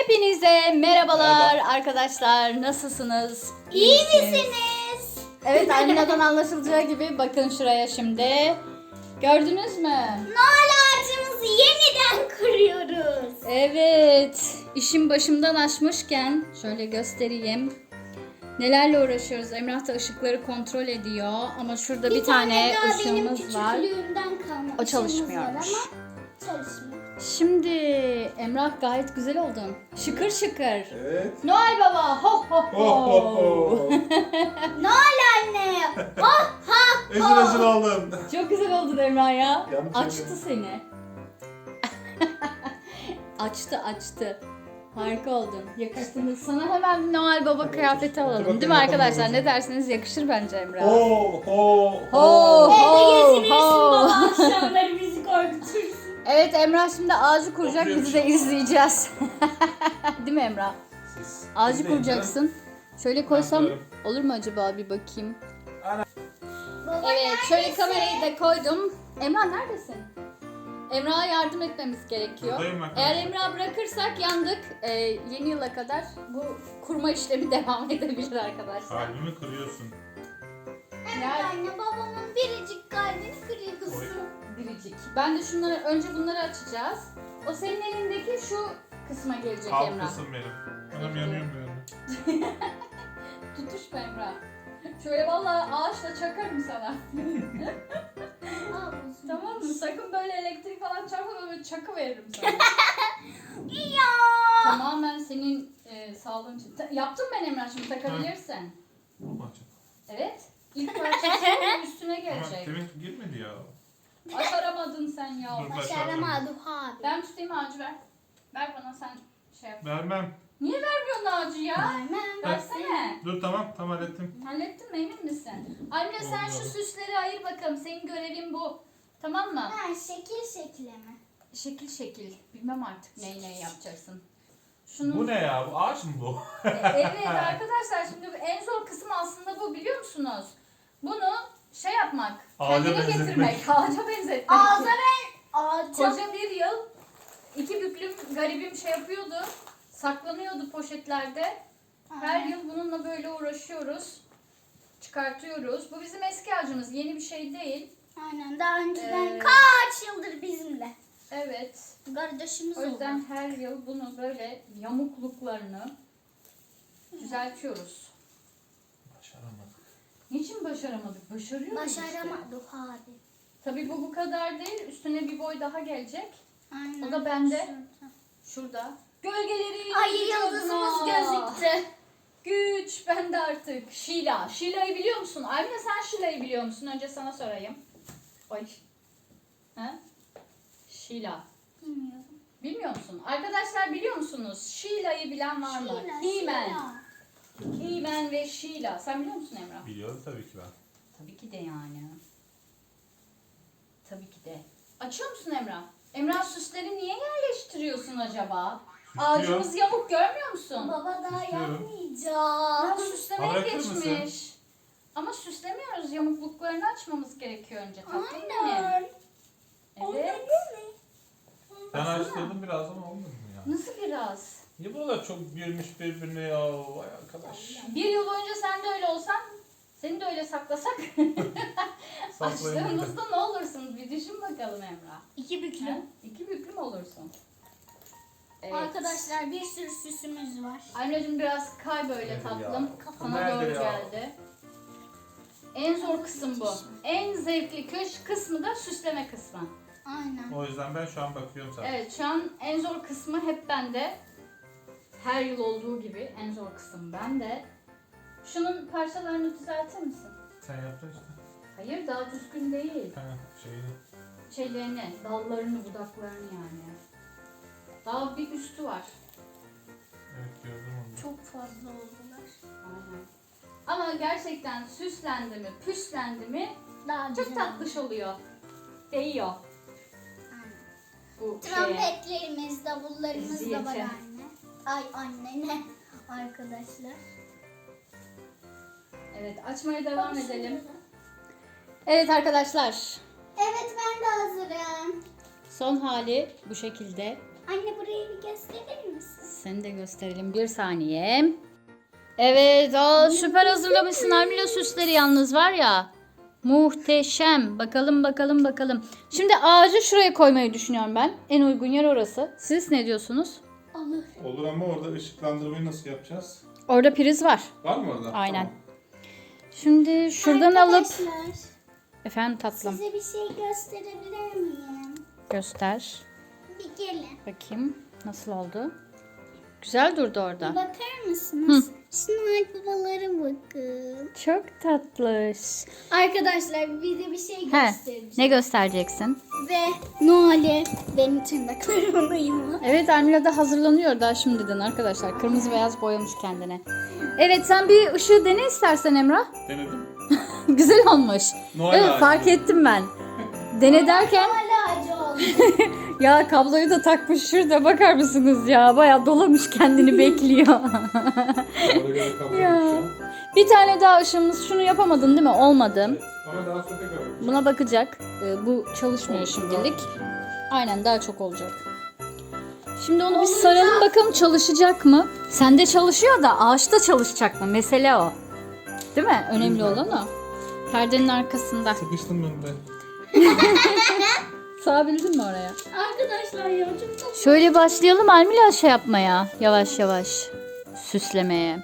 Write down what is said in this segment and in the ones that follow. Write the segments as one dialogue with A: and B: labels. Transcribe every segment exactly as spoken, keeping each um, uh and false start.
A: Hepinize merhabalar
B: Merhaba.
A: arkadaşlar. Nasılsınız?
C: İyi
A: misiniz?
C: misiniz?
A: Evet, Almina'dan anlaşılacağı gibi bakın şuraya şimdi. Gördünüz mü?
C: Noel ağacımızı yeniden kuruyoruz.
A: Evet. İşim başımdan aşmışken şöyle göstereyim. Nelerle uğraşıyoruz? Emrah da ışıkları kontrol ediyor. Ama şurada bir, tane,
C: daha benim
A: ışığımız var.
C: küçüklüğümden kalma
A: O
C: ışığımız
A: çalışmıyormuş.
C: var ama çalışmıyor.
A: Şimdi Emrah gayet güzel oldun. Şıkır şıkır.
B: Evet.
A: Noel Baba ho ho ho.
B: Oh oh oh.
C: Noel anne. Ha ha
B: Ezil ezil oldum.
A: Çok güzel oldun Emrah ya.
B: Yanlış
A: Açtı seni. açtı açtı. Harika oldun. Yakıştınız. Sana hemen bir Noel Baba kıyafeti alalım.
B: bakayım
A: Değil mi
B: bakalım
A: arkadaşlar?
B: babacığım.
A: Ne dersiniz? Yakışır bence Emrah.
B: Ho ho
A: Ho
B: ho.
A: ho
C: Evde
A: ho.
C: baba akşamları bizi korkutursun.
A: Evet, Emrah şimdi ağacı kuracak.
B: Oturuyor
A: Bizi de izleyeceğiz. Değil mi Emrah?
B: Siz
A: Ağacı
B: izleyin
A: kuracaksın. Şöyle koysam
B: yapıyorum.
A: olur mu acaba, bir bakayım.
C: Baba
A: Evet, şöyle
C: neredesin?
A: kamerayı da koydum. Emrah neredesin? Emrah'a yardım etmemiz gerekiyor.
B: Buradayım ben.
A: Eğer Emrah'ı bırakırsak yandık. Ee, yeni yıla kadar bu kurma işlemi devam edebilir arkadaşlar.
B: Kalbimi kırıyorsun.
C: Evet
A: Nerede?
C: anne, babamın biricik kalbini kırıyorsun.
A: Biricik. Ben de şunları, önce bunları açacağız. O senin elindeki şu kısma gelecek
B: Alt
A: Emrah.
B: kısım benim. Anam yanıyorum böyle.
A: Tutuşma Emrah. Şöyle vallahi ağaçla çakarım sana.
C: Al olsun.
A: Tamam mı? Sakın böyle elektrik falan çarpma, böyle çakı veririm sana.
C: Ya.
A: Tamamen senin e, sağlığın için. Ta- yaptım ben Emrah, şimdi takabilirsin.
B: Babacım.
A: Evet. İlk parçası onun üstüne
B: Ama
A: gelecek.
B: demin girmedi ya.
A: Başaramadın sen ya.
B: Dur.
C: Başaramadı abi.
A: Ben tutayım, ağacı ver. Ver bana, sen şey yap.
B: Vermem.
A: Niye vermiyorsun ağacı ya?
C: Vermem.
A: Versene.
B: Dur tamam tam hallettim.
A: Hallettin mi, emin misin? Anne sen şu
B: Oldu.
A: süsleri ayır bakalım. Senin görevin bu. Tamam mı?
C: Ha, şekil şekile mi?
A: Şekil şekil. Bilmem artık neyi neyi yapacaksın. Şunu...
B: Bu ne ya? Bu ağaç mı bu?
A: E, evet arkadaşlar, şimdi en zor kısım aslında bu, biliyor musunuz? Bunu şey yapmak,
B: Ağaca
A: kendine
B: benzetmek.
A: getirmek, ağaca benzetmek.
C: Ağza ben ağaca.
A: Koca bir yıl iki büklüm garibim şey yapıyordu, saklanıyordu poşetlerde. Her yıl bununla böyle uğraşıyoruz, çıkartıyoruz. Bu bizim eski ağacımız, yeni bir şey değil.
C: Aynen, daha önceden
A: Ee,
C: kaç yıldır bizimle.
A: Evet,
C: Kardeşimiz
A: o yüzden
C: oldu.
A: her yıl bunu böyle yamukluklarını düzeltiyoruz.
B: Başaramadık.
A: Niçin başaramadık? Başarıyoruz işte.
C: Başaramadı abi.
A: Tabii bu bu kadar değil. Üstüne bir boy daha gelecek.
C: Aynen.
A: O da bende.
C: Şurada.
A: Şurada. Gölgeleri
C: Ay,
A: vücuduna.
C: yıldızımız gözüktü.
A: Güç bende artık. Şila. Şila'yı biliyor musun? Almina, sen Şila'yı biliyor musun? Önce sana sorayım. Oy. Ha? Şila.
C: Bilmiyorum.
A: Bilmiyor musun? Arkadaşlar biliyor musunuz? Şila'yı bilen var mı?
C: Şila,
A: He-Man.
C: Şila.
A: He-Man ve Şila. Sen biliyor musun Emrah?
B: Biliyorum tabii ki ben.
A: Tabii ki de yani. Tabii ki de. Açıyor musun Emrah? Emrah, süsleri niye yerleştiriyorsun acaba? Ağacımız yamuk, görmüyor musun?
C: Baba daha
B: Süslüyorum.
C: yapmayacağım.
A: Ya süslemeye
B: Bırakır mısın?
A: geçmiş. Ama süslemiyoruz. Yamukluklarını açmamız gerekiyor önce. Tatlım benim.
C: Aynen.
A: Evet.
B: Ben açtırdım biraz ama olmadı mı ya?
A: Nasıl biraz?
B: Niye buralar çok girmiş birbirine ya? Vay arkadaş.
A: Bir yıl önce sen de öyle olsan, seni de öyle saklasak.
B: Saklayın
A: Açtığımızda ne olursunuz? Bir düşün bakalım Emrah.
C: İki
A: Ha?
C: büklüm.
A: İki büklüm olursun. Evet.
C: Arkadaşlar bir sürü süsümüz var.
A: Anneciğim biraz kay böyle
B: Evet
A: tatlım.
B: ya.
A: Kafana
B: Nerede
A: doğru
B: ya?
A: geldi. En zor kısım bu. En zevkli köş kısmı da süsleme kısmı.
C: Aynen.
B: O yüzden ben şu an bakıyorum sana.
A: Evet, şu an en zor kısmı hep bende. Her yıl olduğu gibi en zor kısım bende. Şunun parçalarını düzeltir misin?
B: Sen yaptın işte.
A: Hayır, daha düzgün değil.
B: Ha, şeyini.
A: Şeylerini, dallarını, budaklarını yani. Daha bir üstü var.
B: Evet gördüm onu.
C: Çok fazla oldular.
A: Aynen. Ama gerçekten süslendi mi, püslendi mi
C: Daha
A: çok
C: güzel
A: tatlış oluyor. Değiyor.
C: Aynen.
A: Bu şeye.
C: Trompetlerimiz, davullarımız da
A: Eziyete.
C: var anne. Ay anne ne? Arkadaşlar.
A: Evet, açmaya devam edelim. Evet arkadaşlar,
C: Evet, ben de hazırım.
A: son hali bu şekilde.
C: Anne, burayı bir gösterir misin?
A: seni de gösterelim. Bir saniye. Evet, aa, süper hazırlamışsın Almila süsleri yalnız var ya. Muhteşem. Bakalım bakalım bakalım. Şimdi ağacı şuraya koymayı düşünüyorum ben. En uygun yer orası. Siz ne diyorsunuz?
C: Olur.
B: Olur ama orada ışıklandırmayı nasıl yapacağız?
A: Orada priz var.
B: Var mı orada?
A: Aynen.
B: Tamam.
A: Şimdi şuradan alıp...
C: Arkadaşlar,
A: Efendim tatlım.
C: size bir şey gösterebilir miyim?
A: Göster.
C: Bir gelin.
A: Bakayım nasıl oldu. Güzel durdu orada.
C: Bakar mısınız? Şu Noel babalara bakın.
A: Çok tatlış.
C: Arkadaşlar bir de bir şey
A: He,
C: göstereceğim.
A: ne göstereceksin?
C: Ve Noel'e benim tırnaklarımın uyumu.
A: Evet, Almila da hazırlanıyor daha şimdiden arkadaşlar. Kırmızı beyaz boyamış kendine. Evet, sen bir ışığı dene istersen Emrah.
B: Denedim.
A: Güzel olmuş.
B: Noel
A: Evet,
B: ağacı.
A: fark ettim ben. Dene derken
C: Hala acı oldu.
A: ya kabloyu da takmış şurada, bakar mısınız ya? Bayağı dolamış kendini bekliyor.
B: Oraya göre kabul
A: Ya.
B: edeceğim.
A: Bir tane daha ışığımız, şunu yapamadın değil mi? Olmadı.
B: Evet. Ama daha sonra tekrar bakacağım.
A: Buna bakacak. Ee, bu çalışmıyor şimdilik. Aynen, daha çok olacak. Şimdi onu bir saralım bakalım çalışacak mı? Sende çalışıyor da ağaçta çalışacak mı? Mesele o. Değil mi? Önemli olan o. Perdenin arkasında.
B: Sıkıştım ben de.
A: Sığabildin mi oraya?
C: Arkadaşlar ya çok tatlı.
A: Şöyle başlayalım Almila şey yapmaya. Yavaş yavaş. Süslemeye.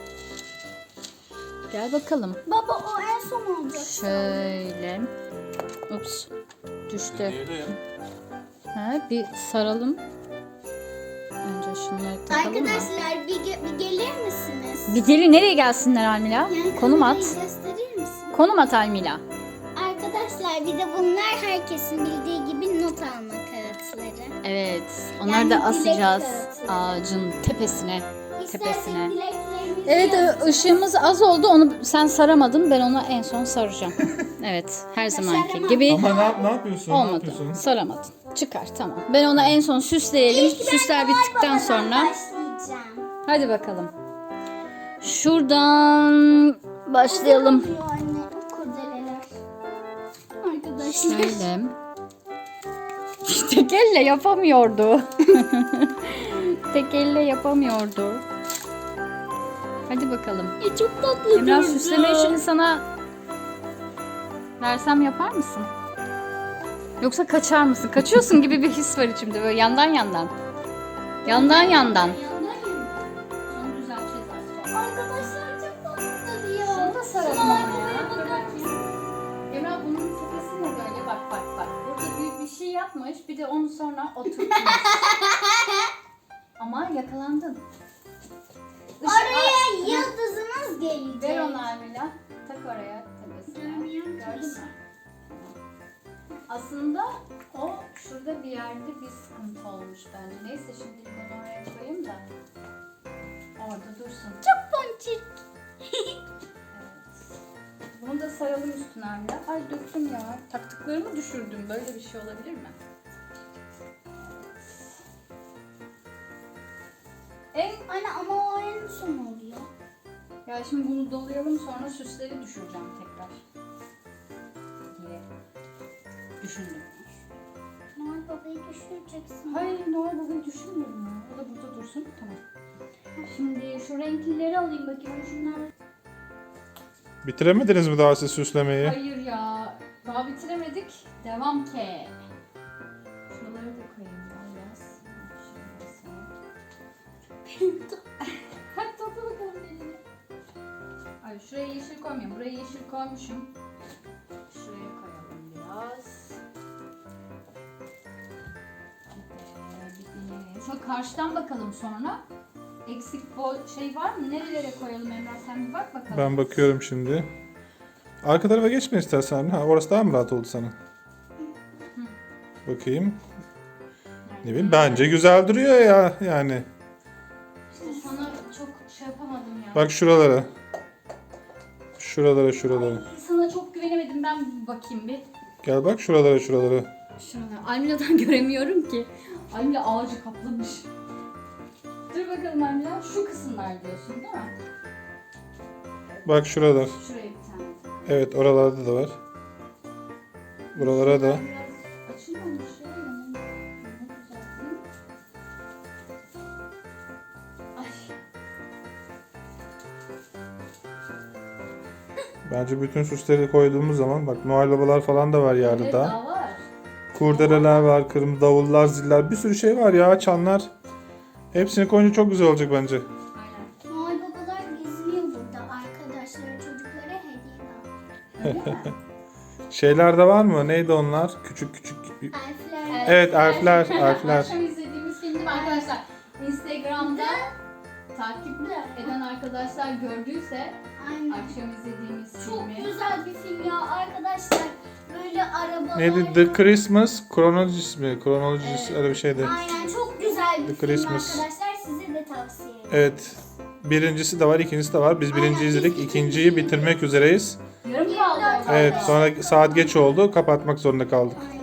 A: Gel bakalım.
C: Baba o en son olacak.
A: Şöyle. Ups. Düştü.
B: Diğeri ya.
A: Ha, bir saralım. Önce şunları takalım mı?
C: Arkadaşlar bir, ge- bir gelir misiniz?
A: Bir geri nereye gelsinler Almila?
C: Yani
A: Konum at.
C: kamerayı gösterir misin?
A: Konum at Almila.
C: Arkadaşlar bir de bunlar herkesin bildiği gibi not alma kağıtları.
A: Evet. Onları
C: Yani
A: da
C: dilek
A: asacağız
C: kağıtları.
A: ağacın tepesine. Tepesine.
C: İstersek dileklerimizi
A: Evet,
C: yazacağız.
A: ışığımız az oldu. Onu sen saramadın. Ben onu en son saracağım. Evet, her zamanki
C: Saramadım.
A: gibi.
B: Ama ne, yap- ne yapıyorsun? Ne
A: Olmadı.
B: yapıyorsun?
A: Saramadın. Çıkar, tamam. Ben ona en son süsleyelim.
C: İlk ben
A: Süsler
C: Noel
A: bittikten
C: Baba'dan
A: sonra.
C: başlayacağım.
A: Hadi bakalım. Şuradan başlayalım.
C: Oluyor anne o kurdeleler. Arkadaşlar.
A: Şöyle. Tek elle yapamıyordu. Tek elle yapamıyordu. Hadi bakalım.
C: E, çok tatlı
A: Emrah,
C: durdu.
A: süsleme işini sana versem yapar mısın? Yoksa kaçar mısın? Kaçıyorsun gibi bir his var içimde, böyle yandan yandan. Yandan yandan. Onu düzelteceğiz az sonra.
C: Arkadaşlar çok tatlı duruyor.
A: Şunu da saralım
C: Şuna
A: ama
C: arkaya
A: ya.
C: bakar
A: Bakar
C: mısın?
A: mısın? Emrah, bunun tepesi ne böyle? Bak bak bak. Burada büyük bir şey yapmış. Bir de onu sonra oturtmuş. Ama yakalandın. Işık-
C: Oraya
A: Aa,
C: yıldızımız gelecek.
A: ver onu Almila. Tak oraya tepesine.
C: Görmüyorum ki.
A: Gördün mü? Aslında o şurada bir yerde bir sıkıntı olmuş bence. Neyse, şimdi onu oraya koyayım da orada dursun.
C: Çok ponçik.
A: Evet. Bunu da saralım üstüne Almila. Ay, döktüm ya. Taktıklarımı düşürdüm. Böyle bir şey olabilir mi? En
C: Anne ama o en son oluyor.
A: Ya şimdi bunu dolayalım, sonra süsleri düşüreceğim tekrar diye düşündüm.
C: Noel babayı düşüreceksin.
A: Hayır, Noel Baba'yı düşünmüyorum ya. O da burada dursun. Tamam. Şimdi şu renklileri alayım bakayım. Şunlar.
B: Bitiremediniz mi daha siz süslemeyi?
A: Hayır ya. Daha bitiremedik. Devam ki. Şuraları da koyayım biraz. Şöyle sana. Hadi topla bakalım elini. Ay, şuraya yeşil koymayayım. Buraya yeşil koymuşum. Şuraya koyalım biraz. Bir de bir de- Şöyle karşıdan bakalım sonra. Eksik bol şey var mı? Nerelere koyalım Emrah? Sen bir bak bakalım.
B: Ben bakıyorum şimdi. Arka tarafa geçme istersen. Ha, orası daha mı rahat oldu sana? Bakayım. Ne bileyim, bence güzel duruyor ya yani.
A: İşte sana çok şey yapamadım ya.
B: Bak şuralara. Şuralara şuralara.
A: Ay, sana çok güvenemedim. Ben bir bakayım bir.
B: Gel bak şuralara şuralara.
A: Şurada. Almila'dan göremiyorum ki. Almila ağacı kaplamış. Dur bakalım Almila. Şu kısımlar diyorsun değil mi?
B: Bak şuralar.
A: Şuraya bir tane.
B: Evet, oralarda da var. Buralara da.
A: Biraz açılmamış ya. Bunu düzelteyim.
B: Bence bütün süsleri koyduğumuz zaman bak Noel babalar falan da var yerde
A: Evet,
B: daha.
A: daha var.
B: Kurdeleler var, kırmızı davullar, ziller, bir sürü şey var ya, çanlar. Hepsini koyunca çok güzel olacak bence.
A: Aynen.
C: Noel babalar geziniyor burada. Arkadaşları, çocuklara hediye alıyor.
A: Öyle mi?
B: Şeyler de var mı? Neydi onlar? Küçük küçük.
C: Elfler.
B: Evet, elfler, elfler.
A: Akşam izlediğimiz film değil mi arkadaşlar? Instagram'da takip eden arkadaşlar gördüyse
C: Aynen.
A: akşam izlediğimiz
C: Çok
A: filmi.
C: güzel bir film ya arkadaşlar. Böyle arabalar.
B: Neydi? The Christmas Chronologist mi? Chronologist
A: Evet.
B: öyle bir şeydi.
C: Aynen çok güzel bir
B: The
C: film
B: Christmas.
C: arkadaşlar. Size de tavsiye ederim.
B: Evet. Birincisi de var, ikincisi de var. Biz birinciyi
C: Aynen,
B: izledik,
C: biz
B: ikinciyi
C: ikinciyi
B: bitirmek üzereyiz.
A: Yarım kaldı orada.
B: Evet, sonra saat geç oldu, kapatmak zorunda kaldık.
C: Aynen.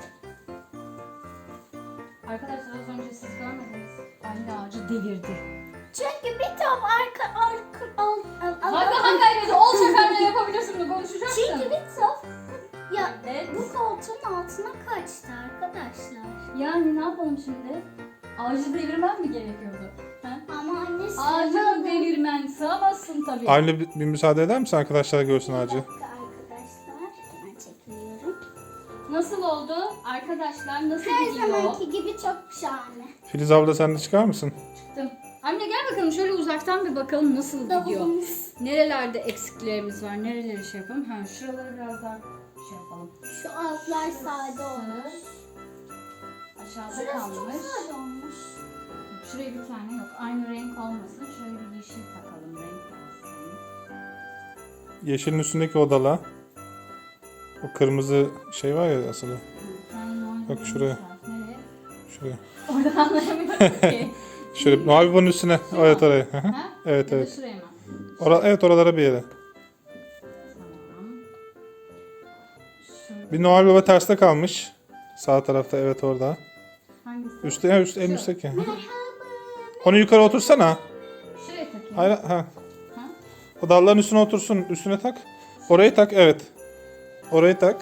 A: Arkadaşlar az önce siz görmediniz. Anne ağacı devirdi.
C: Çünkü bir tam arka arka al, al, al-
A: Hangi hangi ailede olacak öyle yapabilirsin bunu konuşacaksın.
C: Çünkü bir tam ya
A: Evet.
C: bu koltuğun altına kaçtı arkadaşlar.
A: Yani ne yapalım şimdi? Ağacı devirmem mi gerekiyordu? Ha?
C: Ama annesi
A: Ağacı devirmen sığamazsın tabii.
B: Aynı bir, bir müsaade eder misin arkadaşlar görsün
C: Bir
B: ağacı?
C: dakika arkadaşlar. Hemen çekiliyorum.
A: Nasıl oldu? Arkadaşlar nasıl
C: Her
A: gidiyor?
C: zamanki gibi çok şahane.
B: Filiz abla sen de çıkar mısın?
A: Çıktım. Anne gel bakalım şöyle uzaktan bir bakalım nasıl gidiyor.
C: Davulumuz.
A: Nerelerde eksiklerimiz var? Nereleri şey yapalım? Ha şuraları biraz daha şey yapalım.
C: Şu altlar sade olmuş.
A: Aşağıda
C: Şurası çok
A: kalmış.
C: sade olmuş.
A: Şuraya bir tane yok. Aynı renk olmasın. Şöyle bir yeşil takalım. Renk olsun.
B: Yeşilin üstündeki odala. O kırmızı şey var ya asılı. Bak şuraya.
A: Nereye?
B: Şuraya.
A: Oradan anlayamıyorum ki.
B: Şöyle Noel babanın üstüne. Evet oraya. Hı hı.
A: Ha?
B: Evet
A: Ya da
B: evet.
A: şuraya mı?
B: Ora, evet oralara bir yere.
A: Tamam. Şurada.
B: Bir Noel Baba terste kalmış. Sağ tarafta evet orada.
A: Hangisi?
B: Üstte ya üstte en üstteki. Onu yukarı otursana.
A: Şuraya takayım.
B: Hayır ha.
A: Ha?
B: O dalların üstüne otursun. Üstüne tak. Orayı tak evet. Orayı tak.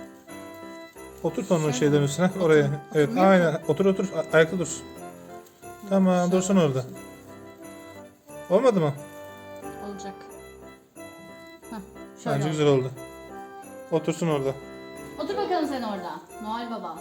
B: Otur onun şeylerin üstüne. Oraya. Evet aynen. Otur otur. A- Ayakta dursun. Tamam dursun orada. Olmadı mı?
A: Olacak. Hah, şöyle
B: Bence
A: oldu.
B: güzel oldu. Otursun orada.
A: Otur bakalım sen orada. Noel Baba.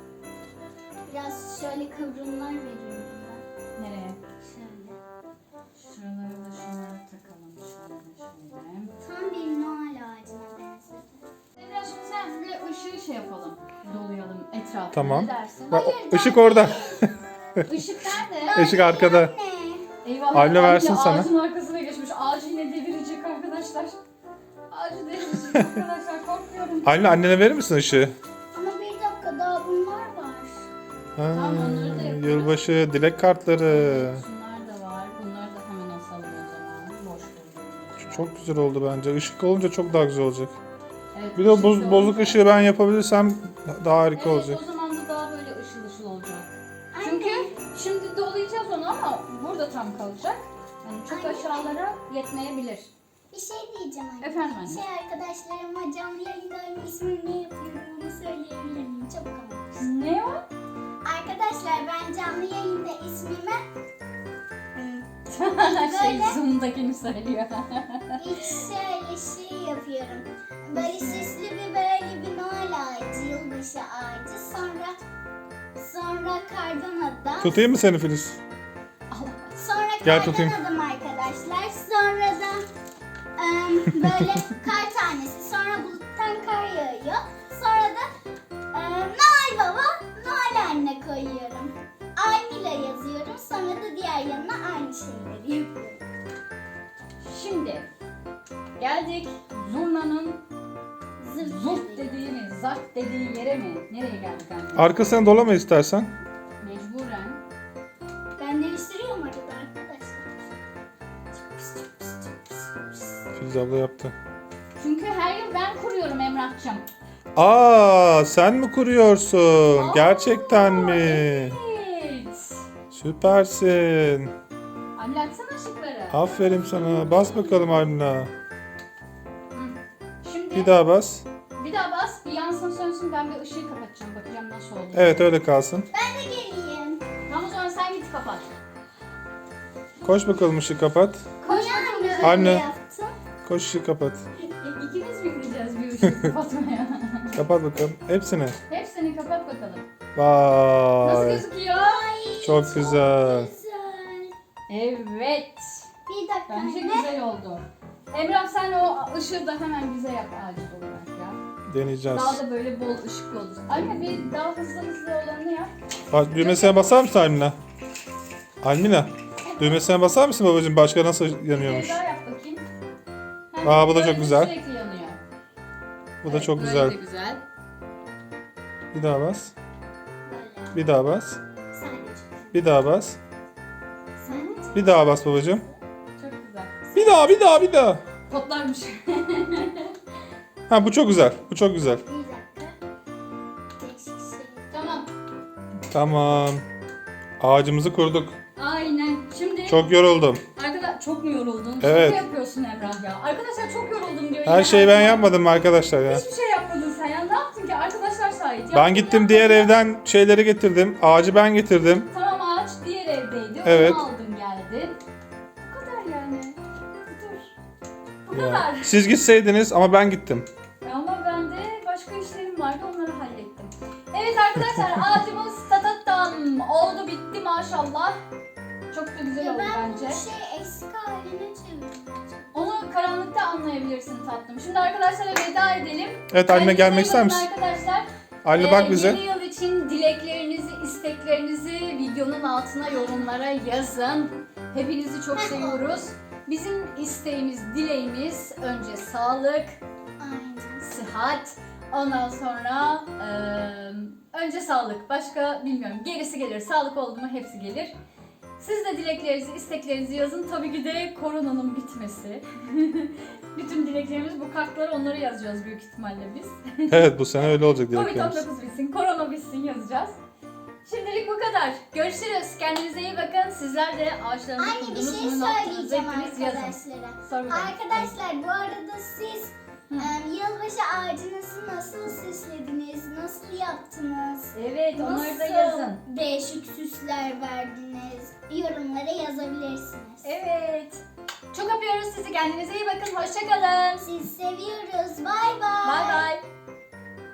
C: Biraz şöyle kıvrımlar veriyorum ben.
A: Nereye?
C: Şöyle.
A: Şuraları da şunları takalım. Şöyle şöyle.
C: Tam bir Noel ağacına benzedi.
A: Emrah şimdi sen böyle ışığı şey yapalım. Dolayalım etrafına.
B: Tamam.
A: Ne dersin?
B: Bak, o- ışık orada.
A: Işık nerede?
B: Işık arkada.
C: Anne.
A: Eyvah.
B: Anne versin sana.
A: Ağacın arkasına geçmiş. Ağacı yine devirecek arkadaşlar. Ağacı devirecek arkadaşlar. Korkuyorum.
B: Anne annene verir misin ışığı?
C: Ama bir dakika daha bunlar var.
B: Ha,
A: Tamam, onları da yaparız.
B: yılbaşı dilek kartları.
A: Şunlar da var. Bunları da hemen asalım o zaman. Boş durmuyor.
B: Çok güzel oldu bence. Işık olunca çok daha güzel olacak.
A: Evet,
B: Bir de o
A: ışık
B: boz-
A: da
B: bozuk
A: olacak.
B: ışığı ben yapabilirsem daha harika
A: Evet,
B: olacak.
A: o zaman da daha böyle ışıl ışıl olacak.
C: Anne.
A: Çünkü şimdi dolayacağız onu ama burada tam kalacak. Yani çok
C: Anne.
A: aşağılara yetmeyebilir.
C: Bir şey diyeceğim anne.
A: Efendim anne.
C: Şey arkadaşlarıma canlı yayında aynı ismini ne yapıyorum onu söyleyebilir miyim? Çabuk ama.
A: Ne o?
C: Arkadaşlar ben canlı yayında ismimi
A: şey
C: Böyle.
A: Zoom'dakini söylüyor.
C: hiç şöyle şey yapıyorum. Böyle süslü bir böyle bir Noel ağacı, yılbaşı ağacı. Sonra sonra kardan adam.
B: Tutayım mı seni Filiz?
C: Sonra
B: Gel
C: kardan
B: tutayım.
C: adam arkadaşlar. Sonra da em, böyle kar tanesi. Sonra buluttan kar yağıyor. Sonra da em, Noel Baba, Noel Anne koyuyorum. Aynıyla yazıyorum. Sonra da diğer yanına aynı şeyleri yapıyorum.
A: Şimdi geldik Zurna'nın
C: Zırt
A: zurt dediği mi, zart dediği yere mi? Nereye geldik anne?
B: Arkasına dolama istersen.
A: Mecburen.
C: Ben değiştiriyorum arada arkadaşlar.
B: Filiz abla yaptı.
A: Çünkü her yıl ben kuruyorum Emrah'cığım.
B: Aa, sen mi kuruyorsun?
A: Aa,
B: Gerçekten mi?
A: Evet.
B: Süpersin.
A: Anne açsana ışıkları.
B: Aferin sana. Bas bakalım Arna.
A: Hı. Şimdi
B: Bir daha bas.
A: bir daha bas, bir yansın sönsün, ben bir ışığı kapatacağım. Bakacağım nasıl oldu.
B: Evet öyle kalsın.
C: Ben de geleyim.
A: Tamam o zaman sen git kapat.
B: Koş bakalım ışığı kapat.
A: Koş
C: Niye
A: bakalım.
C: anne öyle
B: Anne.
C: yaptın?
B: Koş ışığı kapat.
A: Kapatmaya.
B: Kapat bakalım. Hepsini.
A: Hepsini kapat bakalım. Nasıl
B: Vay.
A: gözüküyor?
B: Çok güzel.
C: Güzel.
A: Evet.
C: Bir dakika
A: Bence
C: anne.
A: güzel oldu. Emrah sen o ışığı da hemen bize yap acil olarak ya.
B: Deneyeceğiz.
A: Daha da böyle bol ışıklı olur. Anne bir daha hızlı hızlı olanını yap.
B: Bak, düğmesine basar mısın Almina? Almina. Düğmesine basar mısın babacığım? Başka nasıl yanıyormuş?
A: Bir daha yap bakayım. Hem
B: Aa, bu da
A: böyle
B: çok güzel.
A: Sürekli yanıyor.
B: Bu da
A: Evet,
B: çok
A: böyle
B: güzel.
A: de güzel.
B: Bir daha bas.
C: Böyle.
B: Bir daha bas.
C: Sen de çık.
B: Bir daha bas.
C: Sen de çık.
B: Bir daha bas babacığım.
A: Çok güzel.
B: Bir daha, bir daha, bir daha.
A: Potlarmış.
B: Ha, bu çok güzel. Bu çok güzel.
C: Bir dakika. Değişik şey.
A: Tamam.
B: Tamam. Ağacımızı kurduk.
A: Aynen. Şimdi
B: Çok yoruldum.
A: arkadaşlar çok mu yoruldun?
B: Evet.
A: Şaka yapıyorsun Emrah ya. Arkadaşlar çok yoruldum diyor.
B: Her
A: yine
B: şeyi ben
A: her-
B: yapmadım arkadaşlar ya.
A: Hiçbir şey yapmadın sen ya. Ne yaptın ki? Arkadaşlar şahit.
B: Ben
A: Yaptın,
B: gittim
A: yapmadın.
B: diğer evden şeyleri getirdim. Ağacı ben getirdim.
A: Tamam ağaç diğer evdeydi.
B: Evet.
A: Onu aldın geldin. Bu kadar yani. Dur. Bu
B: Ya.
A: kadar.
B: Siz gitseydiniz ama ben gittim.
A: Ama ben de başka işlerim vardı onları hallettim. Evet arkadaşlar ağacımız tatatam oldu bitti maşallah. Çok da güzel
C: Ya
A: oldu
C: ben
A: bence.
C: bu şey eski haline çevirdim.
A: Onu karanlıkta anlayabilirsin tatlım. Şimdi arkadaşlara veda edelim.
B: Evet Almina,
A: Kendinize
B: gelmek
A: iyi
B: ister
A: bakın
B: misin?
A: Arkadaşlar.
B: Almina
A: Ee,
B: bak bize.
A: Yeni yıl için dileklerinizi, isteklerinizi videonun altına yorumlara yazın. Hepinizi çok seviyoruz. Bizim isteğimiz, dileğimiz önce sağlık,
C: Aynen.
A: sıhhat, ondan sonra eee, önce sağlık. Başka bilmiyorum. Gerisi gelir. Sağlık oldu mu hepsi gelir. Siz de dileklerinizi, isteklerinizi yazın. Tabii ki de koronanın bitmesi. Bütün dileklerimiz bu kartlara onları yazacağız büyük ihtimalle biz.
B: Evet, bu sene öyle olacak
A: Covid on
B: dileklerimiz.
A: dokuz bitsin, korona bitsin yazacağız. Şimdilik bu kadar. Görüşürüz. Kendinize iyi bakın. Sizler de ağaçlarınızı
C: Anne bir
A: kurdunuz.
C: şey
A: Bunu ne yaptınız?
C: söyleyeceğim
A: Hepiniz yazın.
C: arkadaşlara.
A: Sor bakalım.
C: Arkadaşlar bu arada siz
A: Hı.
C: em, yılbaşı ağacınızı nasıl süslediniz? Nasıl yaptınız?
A: Evet, onları da
C: Nasıl
A: yazın.
C: değişik süsler verdiniz? Yorumlara yazabilirsiniz.
A: Evet. Çok öpüyoruz sizi. Kendinize iyi bakın. Hoşçakalın.
C: Sizi seviyoruz. Bay bay.
A: Bay bay.